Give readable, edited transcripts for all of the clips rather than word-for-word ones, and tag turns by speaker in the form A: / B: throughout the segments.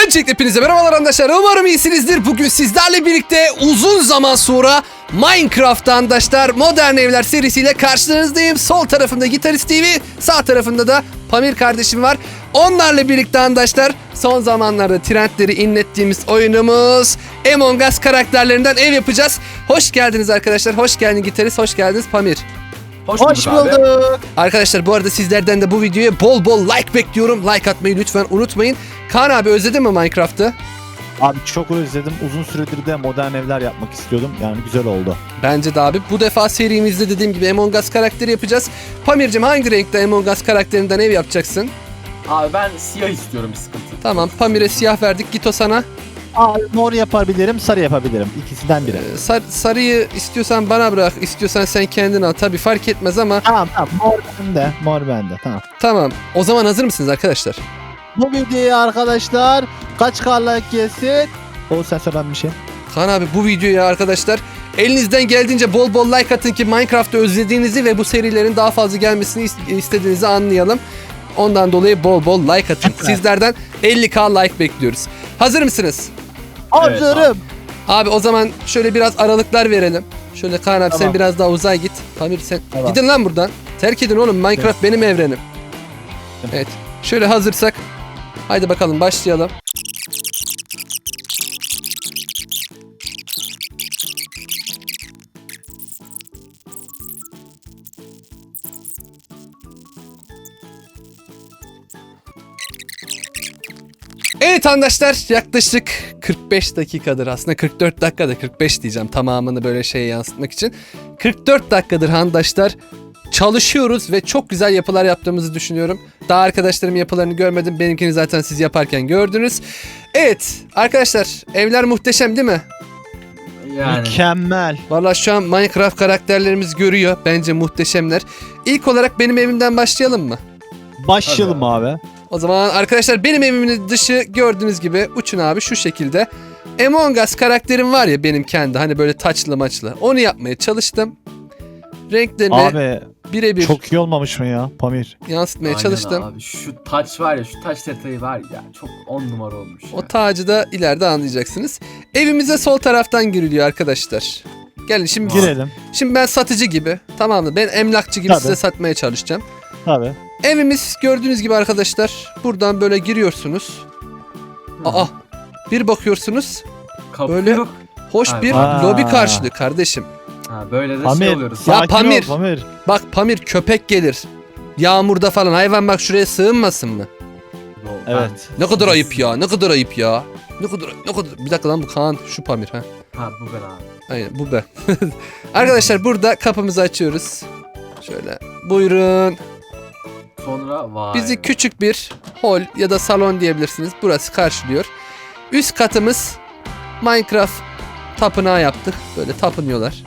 A: Öncelikle hepinize merhabalar arkadaşlar. Umarım iyisinizdir. Bugün sizlerle birlikte uzun zaman sonra Minecraft arkadaşlar Modern Evler serisiyle karşınızdayım. Sol tarafında Gitarist TV, sağ tarafında da Pamir kardeşim var. Onlarla birlikte arkadaşlar son zamanlarda trendleri inlettiğimiz oyunumuz Among Us karakterlerinden ev yapacağız. Hoş geldiniz arkadaşlar. Hoş geldin Gitarist, hoş geldiniz Pamir.
B: Hoş bulduk.
A: Arkadaşlar bu arada sizlerden de bu videoya bol bol like bekliyorum. Like atmayı lütfen unutmayın. Kaan abi özledin mi Minecraft'ı?
B: Abi çok özledim. Uzun süredir de modern evler yapmak istiyordum. Yani güzel oldu.
A: Bence de abi. Bu defa serimizde dediğim gibi Among Us karakteri yapacağız. Pamir'cim hangi renkte Among Us karakterinden ev yapacaksın?
C: Abi ben siyah istiyorum, bir sıkıntı.
A: Tamam, Pamir'e siyah verdik. Git o sana.
B: Abi mor yapabilirim, sarı yapabilirim. İkisinden biri.
A: Sarıyı istiyorsan bana bırak. İstiyorsan sen kendin al. Tabii fark etmez ama.
B: Tamam mor bende. Mor bende. Tamam.
A: Tamam. O zaman hazır mısınız arkadaşlar?
B: Bu videoyu arkadaşlar kaç like gelsin? O sen söyle bir şey.
A: Kaan abi bu videoya arkadaşlar elinizden geldiğince bol bol like atın ki Minecraft'ı özlediğinizi ve bu serilerin daha fazla gelmesini istediğinizi anlayalım. Ondan dolayı bol bol like atın. Sizlerden 50k like bekliyoruz. Hazır mısınız?
B: Hazırım.
A: Abi o zaman şöyle biraz aralıklar verelim. Şöyle Kaan abi sen
B: Tamam.
A: biraz daha uzay git. Pamir sen
B: Tamam.
A: gidin lan buradan. Terk edin oğlum, Minecraft benim evrenim. Evet. Şöyle hazırsak haydi bakalım başlayalım. Evet arkadaşlar, yaklaşık 45 dakikadır, aslında 44 dakikada 45 diyeceğim tamamını böyle şeye yansıtmak için. 44 dakikadır arkadaşlar çalışıyoruz ve çok güzel yapılar yaptığımızı düşünüyorum. Daha arkadaşlarım yapılarını görmedim, benimkini zaten siz yaparken gördünüz. Evet arkadaşlar, evler muhteşem değil mi?
C: Yani
B: Mükemmel.
A: Vallahi şu an Minecraft karakterlerimiz görüyor, bence muhteşemler. İlk olarak benim evimden başlayalım mı?
B: Başlayalım abi.
A: O zaman arkadaşlar benim evimin dışı gördüğünüz gibi uçun abi şu şekilde. Among Us karakterim var ya benim kendi, hani böyle taçlı maçlı. Onu yapmaya çalıştım. Renklerini
B: Abi
A: birebir
B: çok iyi olmamış mı ya Pamir?
A: yansıtmaya
C: aynen
A: çalıştım.
C: abi. Şu taç var ya, şu taç detayı var ya, çok 10 numara olmuş ya.
A: O tacı da ileride anlayacaksınız. Evimize sol taraftan giriliyor arkadaşlar. Gelin şimdi
B: Girelim.
A: Şimdi ben satıcı gibi, tamam mı? Ben emlakçı gibi
B: Tabii.
A: size satmaya çalışacağım.
B: Tabii.
A: Evimiz gördüğünüz gibi arkadaşlar. Buradan böyle giriyorsunuz. Aa, bir bakıyorsunuz.
C: Kapı
A: böyle-
C: yok.
A: Hoş
C: Ay,
A: bir
B: aa.
A: lobi karşılığı kardeşim.
C: Ha, böyle de
B: Pamir.
C: şey oluyoruz.
A: Ya
B: sakin ol,
A: Pamir.
B: Pamir.
A: Bak Pamir, köpek gelir. Yağmurda falan hayvan bak şuraya sığınmasın mı?
B: Evet.
A: Ne kadar ayıp ya, ne kadar ayıp ya. Ne kadar. Bir dakika lan, bu Kaan, şu Pamir ha.
C: Ha, bu ben abi.
A: Aynen bu ben. Arkadaşlar burada kapımızı açıyoruz. Şöyle buyurun.
C: Sonra vay.
A: Bizi küçük bir hol ya da salon diyebilirsiniz. Burası karşılıyor. Üst katımız Minecraft tapınağı yaptık. Böyle tapınıyorlar.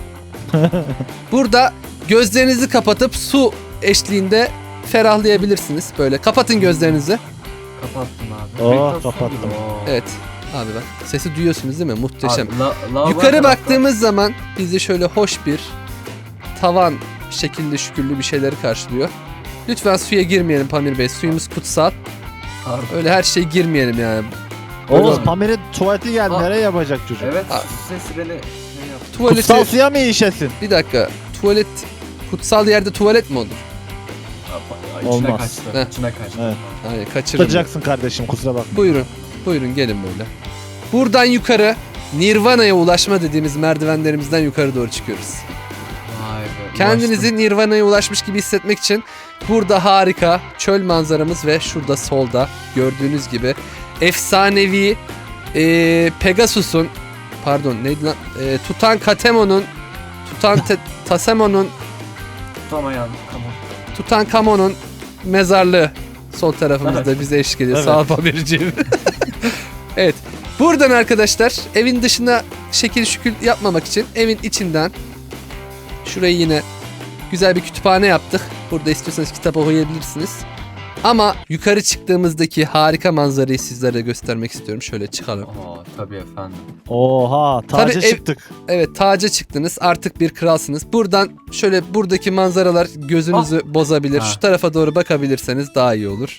A: Burada gözlerinizi kapatıp su eşliğinde ferahlayabilirsiniz. Böyle kapatın gözlerinizi.
C: Kapattım abi.
B: Oo,
C: Meditasyon
B: kapattım.
C: gibi, oo.
A: Evet. Abi bak sesi duyuyorsunuz değil mi? Muhteşem.
C: Abi, lavabo
A: Yukarı
C: tarafta-
A: baktığımız zaman bizi şöyle hoş bir tavan şekilli şükürlü bir şeyleri karşılıyor. Lütfen suya girmeyelim Pamir Bey. Suyumuz kutsal.
C: Abi,
A: Öyle her şeye girmeyelim yani.
B: Oğuz
A: Buyurun.
B: Pamir'in tuvaleti geldi.
C: Aa.
B: Nereye yapacak çocuk?
C: evet,
A: Abi.
C: ses beni ne yaptı?
A: Tuvaleti...
B: Kutsal suya mı işesin?
A: Bir dakika. Tuvalet... Kutsal yerde tuvalet mi olur?
C: İçine
B: Olmaz.
C: kaçtı.
A: Heh.
C: İçine kaçtı.
B: Evet.
A: Hayır, kaçırdım.
B: Tutacaksın kardeşim, kusura bakma.
A: Buyurun. Buyurun gelin böyle. Buradan yukarı Nirvana'ya ulaşma dediğimiz merdivenlerimizden yukarı doğru çıkıyoruz.
C: Vay be.
A: Kendinizi Nirvana'ya ulaşmış gibi hissetmek için burada harika çöl manzaramız ve şurada solda gördüğünüz gibi efsanevi Pegasus'un, pardon neydi lan, Tutankatemon'un Tasemon'un
C: Tutamayan. Tamam.
A: Tutankamon'un mezarlığı sol tarafımızda
C: Evet.
A: bize eşlik ediyor.
B: Evet.
A: Sağ ol Pamir'ciğim. Evet. Buradan arkadaşlar evin dışına şekil şükür yapmamak için evin içinden şurayı yine güzel bir kütüphane yaptık. Burada istiyorsanız kitap okuyabilirsiniz. Ama yukarı çıktığımızdaki harika manzarayı sizlere göstermek istiyorum. Şöyle çıkalım.
C: Aa, tabii efendim.
B: Oha taca
A: Tabii,
B: çıktık.
A: Evet, taca çıktınız. Artık bir kralsınız. Buradan şöyle buradaki manzaralar gözünüzü bozabilir.
C: Ha.
A: Şu tarafa doğru bakabilirseniz daha iyi olur.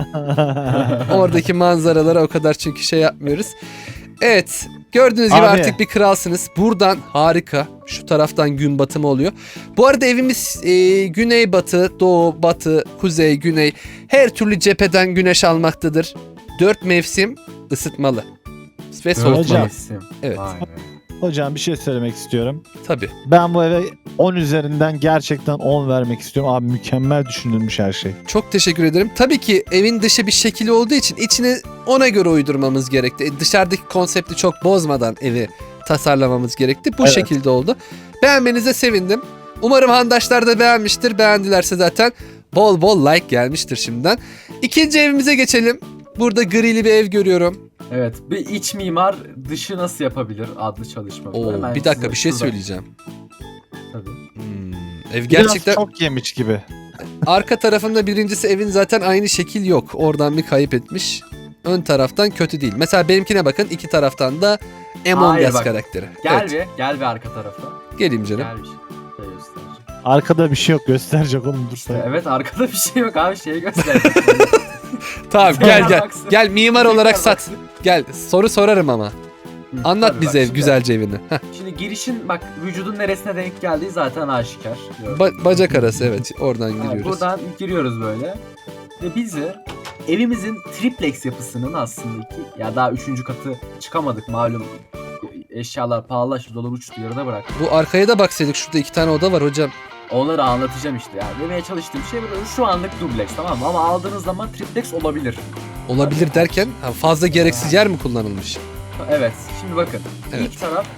A: Oradaki manzaralara o kadar çünkü şey yapmıyoruz. Evet, gördüğünüz gibi
B: Abi.
A: artık bir kralsınız. Buradan harika. Şu taraftan gün batımı oluyor. Bu arada evimiz güneybatı, doğu, batı, kuzey, güney her türlü cepheden güneş almaktadır. 4 mevsim ısıtmalı ve soğutmalı.
B: Hocam.
C: Mevsim.
A: Evet.
C: Vay be.
B: Hocam bir şey söylemek istiyorum.
A: Tabii.
B: Ben bu eve 10 üzerinden gerçekten 10 vermek istiyorum. Abi mükemmel düşünülmüş her şey.
A: Çok teşekkür ederim. Tabii ki evin dışı bir şekli olduğu için içini ona göre uydurmamız gerekti. Dışarıdaki konsepti çok bozmadan evi tasarlamamız gerekti. Bu
B: Evet.
A: şekilde oldu. Beğenmenize sevindim. Umarım handaşlar da beğenmiştir. Beğendilerse zaten bol bol like gelmiştir şimdiden. İkinci evimize geçelim. Burada grili bir ev görüyorum.
C: Evet, bir iç mimar dışı nasıl yapabilir adlı çalışma.
A: Oo,
C: Hemen
A: bir dakika
C: size
A: bir şey
C: şurada-
A: söyleyeceğim.
C: Tabii.
A: Ev
B: Biraz
A: gerçekten
B: çok yemiş gibi.
A: arka tarafında birincisi evin zaten aynı şekil yok. Oradan bir kayıp etmiş. Ön taraftan kötü değil. Mesela benimkine bakın, iki taraftan da Among
C: Hayır,
A: Us
C: bak.
A: karakteri.
C: Gel
A: Evet,
C: gel bir arka tarafa.
A: geleyim canım.
C: Gel bir şey göstereceğim.
B: Arkada bir şey yok gösterecek oğlum dur sen.
C: Evet, arkada bir şey yok abi, şeyi göstereceğim.
A: Tamam, gel gel.
C: Baksın.
A: Gel mimar olarak
C: Tekrar
A: sat.
C: baksın.
A: Gel, soru sorarım ama.
C: Hı,
A: Anlat
C: tabii
A: bize
C: bak
A: ev
C: şimdi.
A: güzelce evini. Heh,
C: Şimdi girişin bak vücudun neresine denk geldiği zaten aşikar.
A: bacak arası, evet, oradan
C: Ha,
A: giriyoruz.
C: buradan giriyoruz böyle. Ve bizi evimizin triplex yapısının aslında ya daha 3. katı çıkamadık malum. Eşyalar pahalılaştı, dolar uçtu, yarıda bırak.
A: Bu arkaya da baksaydık, şurada 2 tane oda var hocam.
C: Onları anlatacağım işte yani. Demeye çalıştığım şey bu, şu anlık dubleks, tamam mı? Ama aldığınız zaman triplex olabilir.
A: Olabilir derken fazla gereksiz yer mi kullanılmış?
C: Evet, şimdi bakın.
A: Evet.
C: İlk taraf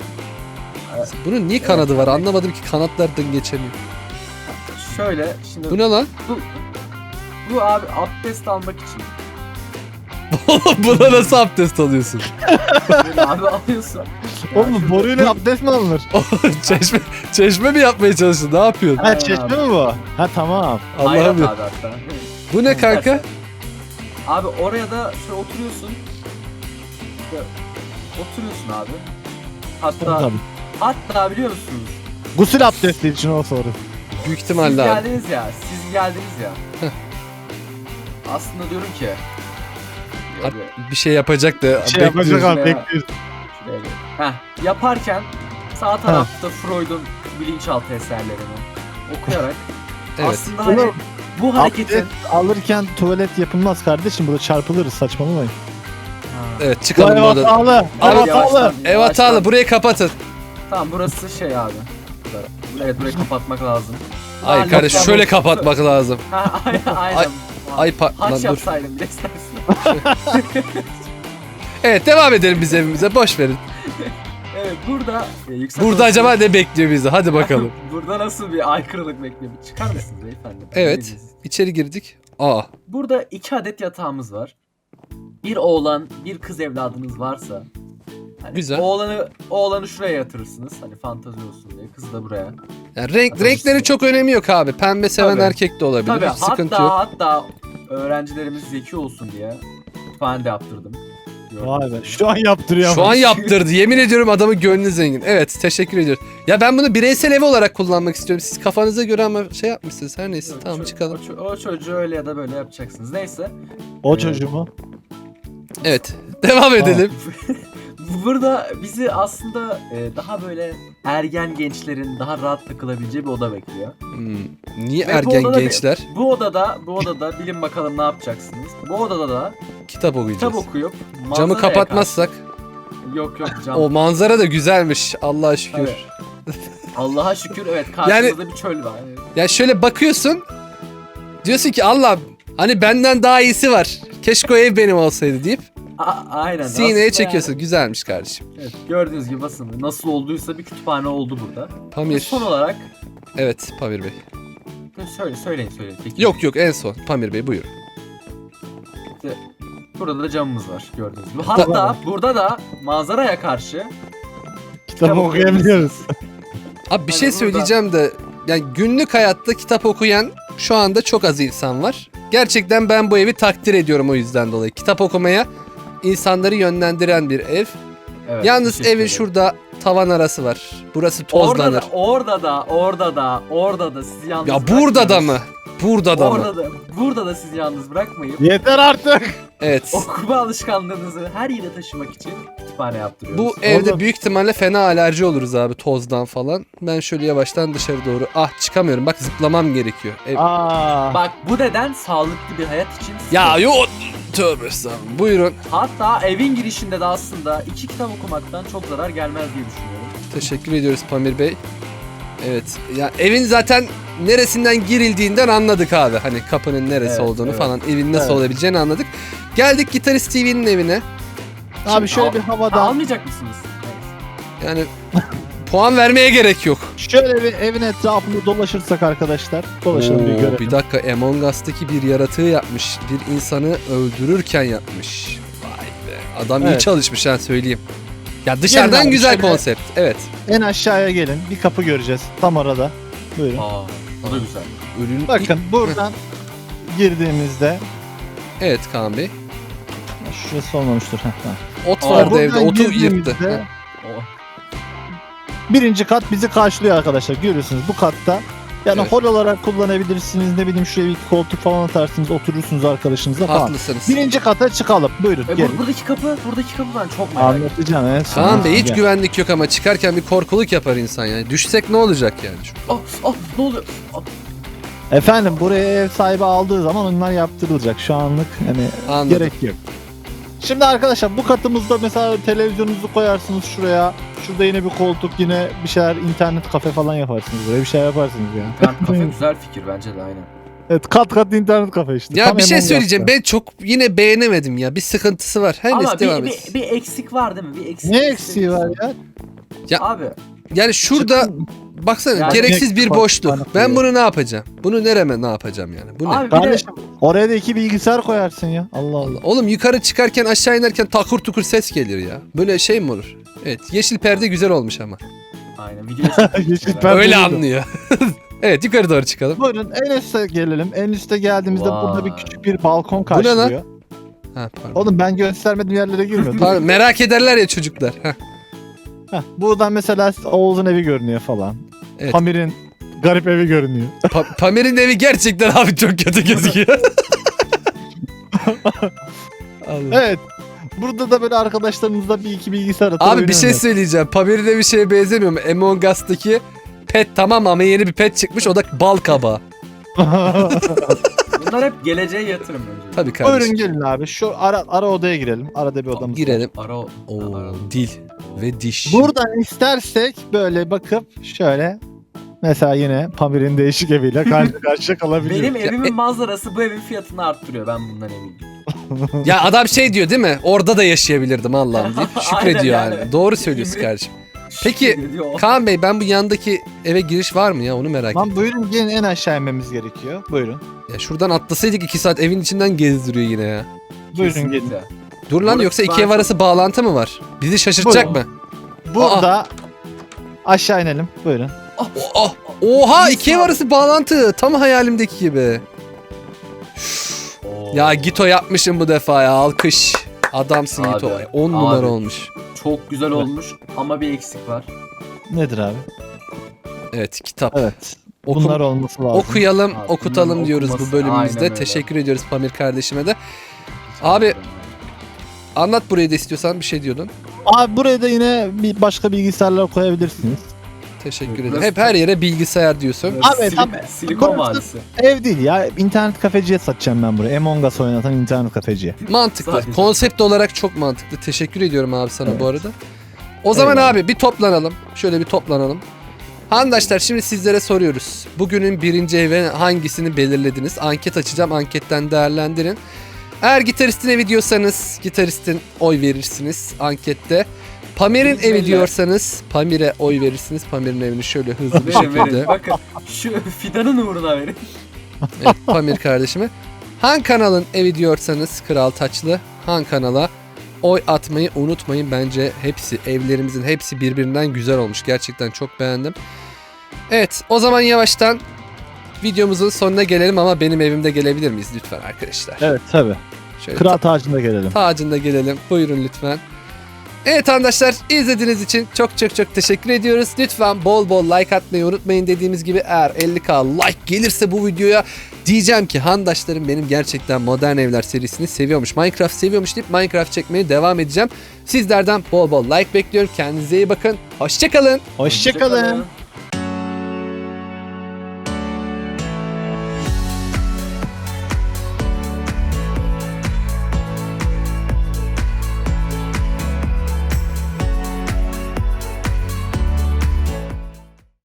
A: Bunun niye kanadı var anlamadım ki, kanatlardan geçemiyor.
C: şöyle, şimdi
A: Bu ne lan?
C: bu abi abdest almak için.
A: Buna nasıl abdest alıyorsun?
C: Böyle abi alıyorsun. Ya
B: Oğlum
C: şurada-
B: boruyla abdest mi alınır?
A: çeşme mi yapmaya çalıştın? Ne yapıyorsun?
B: Ha çeşme mi bu? Ha tamam.
C: Hayrat
A: Allah'ım ya.
C: abi hatta.
A: Bu ne kanka?
C: Abi oraya da şöyle oturuyorsun. Böyle oturuyorsun abi.
B: Tamam.
C: Hatta biliyor musunuz?
B: Gusül abdesti için o soru.
A: Büyük
C: Siz
A: ihtimalle abi.
C: geldiniz ya. Siz geldiniz ya. Aslında diyorum ki.
A: Abi, bir şey yapacak da
B: Şey yapacak
A: bekliyoruz.
B: abi
C: Şuraya-
B: bekliyoruz.
C: Şuraya bir- yaparken sağ tarafta Freud'un bilinçaltı eserlerini okuyarak
A: Evet.
C: aslında hani
B: Oğlum,
C: bu hareketin
B: Abdest alırken tuvalet yapılmaz kardeşim. Burada çarpılırız saçmalamayın.
A: Evet,
B: Bu
A: çıkalım
B: ev
A: buradan.
B: hatalı.
A: Abi,
B: Ev hatalı.
C: yavaştan-
A: Ev hatalı, burayı kapatın.
C: Tamam, burası şey abi. Evet, burayı kapatmak lazım.
A: Hayır
C: Aa,
A: kardeş,
C: yok,
A: şöyle
C: yok.
A: kapatmak lazım.
C: Ha, aynen.
A: Ay, Ay lan
C: Haç
A: dur.
C: yapsaydım bile istersin.
A: Evet, devam edelim biz evimize, boş verin.
C: Evet, burada yüksek
A: Burada
C: olasılık-
A: acaba ne bekliyor bizi? Hadi bakalım.
C: Burada nasıl bir aykırılık bekliyor? Çıkar mısınız beyefendi?
A: Evet.
C: Neredesiniz?
A: İçeri girdik. Aa,
C: Burada 2 adet yatağımız var. Bir oğlan, bir kız evladınız varsa hani
A: Güzel.
C: oğlanı şuraya yatırırsınız. Hani fantazi olsun diye. Kızı da buraya.
A: yani
C: Tabii.
A: renkleri çok önemi yok abi. Pembe seven
C: Tabii.
A: erkek de olabilir.
C: Tabii,
A: Hiç sıkıntı yok.
C: hatta öğrencilerimiz zeki olsun diye kütüphane de yaptırdım.
B: Vay be. Şu an yaptırıyor
A: Şu
B: ama.
A: an yaptırdı. Yemin ediyorum adamın gönlü zengin. Evet, teşekkür ediyoruz. Ya ben bunu bireysel ev olarak kullanmak istiyorum. Siz kafanıza göre ama şey yapmışsınız. Her neyse, tamam çıkalım.
C: O çocuğu öyle ya da böyle yapacaksınız. Neyse.
B: O çocuğu mu?
A: Evet, devam edelim.
C: Burada bizi aslında daha böyle ergen gençlerin daha rahat takılabileceği bir oda bekliyor.
A: Niye
C: Ve bu
A: ergen
C: odada
A: gençler
C: Bu odada bilin bakalım ne yapacaksınız. Bu odada da
A: kitap okuyacağız?
C: kitap okuyup
A: Camı
C: manzaraya
A: kapatmazsak.
C: karşı- Yok cam.
A: O manzara da güzelmiş. Allah'a şükür.
C: Evet. Allah'a şükür, evet, karşımızda bir çöl var. Evet.
A: Ya şöyle bakıyorsun. Diyorsun ki Allah, hani benden daha iyisi var. Keşke o ev benim olsaydı deyip
C: Aynen.
A: sineye
C: Aslında
A: çekiyorsun. Güzelmiş kardeşim.
C: Yani, evet, gördüğünüz gibi basın. Nasıl olduysa bir kütüphane oldu burada. Ve
A: Pamir.
C: son olarak
A: Evet, Pamir Bey.
C: söyleyin. Peki.
A: Yok en son. Pamir Bey buyurun.
C: Burada da camımız var gördüğünüz gibi. Hatta burada da manzaraya karşı
B: Kitap okuyabiliyoruz.
A: Abi bir
C: Hani
A: şey
C: burada-
A: söyleyeceğim de, yani günlük hayatta kitap okuyan şu anda çok az insan var. Gerçekten ben bu evi takdir ediyorum o yüzden dolayı. Kitap okumaya insanları yönlendiren bir ev.
C: Evet,
A: Yalnız
C: teşekkür
A: evin
C: ederim.
A: şurada tavan arası var. Burası
C: Orada
A: tozlanır.
C: da, orada da sizi yalnız
A: Ya burada da mı?
C: bırakmıyoruz.
A: Burada da mı?
C: Burada da sizi yalnız bırakmayıp
B: Yeter artık.
A: Evet.
C: okuma alışkanlığınızı her yere taşımak için kütüphane yaptırıyoruz.
A: Bu evde
B: Oğlum.
A: büyük ihtimalle fena alerji oluruz abi tozdan falan. Ben şöyle yavaştan dışarı doğru. Ah çıkamıyorum bak zıplamam gerekiyor.
B: Aa.
C: Bak bu neden sağlıklı bir hayat için
A: Ya yo tövbe estağfurullah. Buyurun.
C: hatta evin girişinde de aslında 2 kitap okumaktan çok zarar gelmez diye düşünüyorum.
A: Teşekkür ediyoruz Pamir Bey. Evet. Ya evin zaten neresinden girildiğinden anladık abi. Hani kapının neresi
C: Evet,
A: olduğunu
C: evet.
A: falan, evin nasıl
B: Evet.
A: olabileceğini anladık. Geldik Gitarist TV'nin evine.
B: Abi şöyle bir havadan.
C: Almayacak mısınız? Evet.
A: Yani puan vermeye gerek yok.
B: Şöyle bir evin etrafında dolaşırsak arkadaşlar. Dolaşalım bir
A: Oo,
B: görelim.
A: bir dakika Among Us'taki bir yaratığı yapmış. Bir insanı öldürürken yapmış. Vay be. Adam iyi
B: Evet.
A: çalışmış ha söyleyeyim. Ya dışarıdan
B: Gelin abi,
A: güzel
B: şöyle-
A: konsept. Evet.
B: En aşağıya gelin. Bir kapı göreceğiz. Tam arada. Buyurun.
C: Aa, o da güzel.
A: Ürün...
B: Bakın buradan girdiğimizde
A: Evet Kaan Bey.
B: şurası olmamıştır. Heh, tamam.
A: Ot
C: Aa,
A: vardı
B: Buradan
A: evde. Otu yırttı.
B: girdiğimizde
C: O.
B: birinci kat bizi karşılıyor arkadaşlar. Görüyorsunuz bu katta. Yani
A: Evet.
B: hol olarak kullanabilirsiniz. Ne bileyim şuraya bir koltuk falan atarsınız. Oturursunuz arkadaşınızla falan.
A: Haklısınız.
B: Birinci kata çıkalım. Buyurun gelin.
C: Buradaki kapı ben çok merak ettim.
B: Anlatacağım en son.
A: Kaan Bey hiç
B: Gel.
A: güvenlik yok ama çıkarken bir korkuluk yapar insan yani. Düşsek ne olacak yani?
C: Ne oluyor?
B: Efendim buraya ev sahibi aldığı zaman onlar yaptırılacak. Şu anlık hani
A: Anladım.
B: gerek yok. Şimdi arkadaşlar bu katımızda mesela televizyonunuzu koyarsınız şuraya. Şurada yine bir koltuk, yine bir şeyler, internet kafe falan yaparsınız. Buraya bir şey yaparsınız ya.
C: Ben kafe güzel fikir bence de aynen.
B: Evet, kat kat internet kafe işte.
A: Ya
B: Tam
A: bir şey
B: Among
A: söyleyeceğim.
B: Us'ta.
A: Ben çok yine beğenemedim ya. Bir sıkıntısı var. Her
C: Ama
A: neyse devam et.
C: bir eksik var değil mi? Bir eksik.
B: Ne eksiği var ya?
C: Abi
A: Yani şurada baksana
C: Yani-
A: gereksiz bir
B: Bak,
A: boşluk.
B: bana
A: Ben
B: koyuyor.
A: bunu ne yapacağım? Bunu nereme ne yapacağım yani? Bu ne?
C: abi bir de
B: Kardeşim oraya da iki bilgisayar koyarsın ya. Allah Allah.
A: Allah. Oğlum yukarı çıkarken aşağı inerken takur tukur ses gelir ya. Böyle şey mi olur? Evet yeşil perde güzel olmuş ama.
C: aynen video
B: Yeşil perde
A: Öyle
B: değil.
A: anlıyor. Evet yukarı doğru çıkalım.
B: Buyurun en üste gelelim. En üste geldiğimizde
C: Vay.
B: burada bir küçük bir balkon
A: ne lan?
B: karşılıyor.
A: Ha, pardon.
B: Oğlum ben göstermediğim yerlere girmiyorum.
A: Pardon, merak ederler ya çocuklar. Heh.
B: Heh, buradan mesela Oğuz'un evi görünüyor falan.
A: Evet.
B: Pamir'in garip evi görünüyor.
A: Pamir'in evi gerçekten abi çok kötü gözüküyor. Allah.
B: Evet. Burada da böyle arkadaşlarımızla bir iki bilgisayar atıp
A: Abi bir şey
B: oynuyorlar.
A: söyleyeceğim. Pamir'in evi şeye benzemiyor mu? Among Us'taki pet tamam ama yeni bir pet çıkmış o da bal kabağı.
C: bunlar hep geleceğe yatırım bence.
A: Tabii kardeşim.
B: Buyurun gelin abi. Şu ara odaya girelim. Arada bir odamız var.
A: Girelim.
C: Ara
A: Oo,
C: ara.
A: dil ve diş.
B: Buradan istersek böyle bakıp şöyle mesela yine Pamir'in değişik eviyle karşı karşıya kalabiliriz.
C: Benim evimin manzarası bu evin fiyatını arttırıyor ben bundan eminim.
A: Ya adam şey diyor değil mi? Orada da yaşayabilirdim Allah'ım deyip şükrediyor
C: Aynen
A: yani.
C: yani.
A: Doğru söylüyorsun kardeşim. Peki,
C: Diyor.
A: Kaan Bey ben bu yandaki eve giriş var mı ya onu merak ettim.
B: Lan buyurun gelin en aşağı inmemiz gerekiyor. Buyurun.
A: Ya şuradan atlasaydık 2 saat evin içinden gezdiriyor yine ya.
B: Buyurun gelin.
C: Kesinlikle.
A: Dur lan
C: Burası
A: yoksa iki
C: daha
A: ev arası bağlantı mı var? Bizi şaşırtacak
B: Buyurun.
A: mı?
B: Burada aşağı inelim. Buyurun.
A: Oh, oha iki ev arası bağlantı. Tam hayalimdeki gibi.
C: Oo.
A: Ya Gito yapmışım bu defa ya alkış. Adamsın
C: Abi,
A: Gito. 10 numara
C: abi.
A: olmuş.
C: Çok güzel olmuş ama bir eksik var.
B: Nedir abi?
A: Evet kitap.
B: Evet.
A: Okum-
B: Bunlar olması lazım.
A: Okuyalım,
C: Abi,
A: okutalım
C: bunun
A: diyoruz bu
C: okuması
A: bölümümüzde.
C: aynen öyle.
A: Teşekkür ediyoruz Pamir kardeşime de. Abi anlat burayı da istiyorsan bir şey diyordun.
B: Abi buraya da yine bir başka bilgisayarlar koyabilirsiniz.
A: Teşekkür
C: Burası-
A: ederim. Hep her yere bilgisayar diyorsun.
B: Abi, tam-
C: Silikon
B: burası-
C: Vadisi.
B: Ev değil ya. İnternet kafeciye satacağım ben buraya. Among Us oynatan internet kafeciye.
A: Mantıklı.
C: Sadece.
A: Konsept olarak çok mantıklı. Teşekkür ediyorum abi sana bu arada. O zaman
B: Eyvallah.
A: abi bir toplanalım. Şöyle bir toplanalım. Arkadaşlar şimdi sizlere soruyoruz. Bugünün birinci evi hangisini belirlediniz? Anket açacağım. Anketten değerlendirin. Eğer Gitarist'in evi diyorsanız Gitarist'in oy verirsiniz ankette. Pamir'in
C: Biz
A: evi
C: belli.
A: diyorsanız Pamir'e oy verirsiniz. Pamir'in evini şöyle hızlı bir
C: Verin verin.
A: şekilde.
C: Bakın şu fidanın uğruna verin.
A: Evet, Pamir kardeşime. Han kanalın evi diyorsanız Kral Taçlı. Han kanala oy atmayı unutmayın. Bence hepsi evlerimizin hepsi birbirinden güzel olmuş. Gerçekten çok beğendim. Evet o zaman yavaştan videomuzun sonuna gelelim ama benim evimde gelebilir miyiz lütfen arkadaşlar?
B: Evet tabi.
A: Şöyle
B: Kıraat ağacına gelelim.
A: tacında gelelim. Buyurun lütfen. Evet arkadaşlar, izlediğiniz için çok teşekkür ediyoruz. Lütfen bol bol like atmayı unutmayın. Dediğimiz gibi eğer 50k like gelirse bu videoya diyeceğim ki handaşlarım benim gerçekten Modern Evler serisini seviyormuş. Minecraft seviyormuş deyip Minecraft çekmeye devam edeceğim. Sizlerden bol bol like bekliyorum. Kendinize iyi bakın. Hoşçakalın.
B: Hoşçakalın.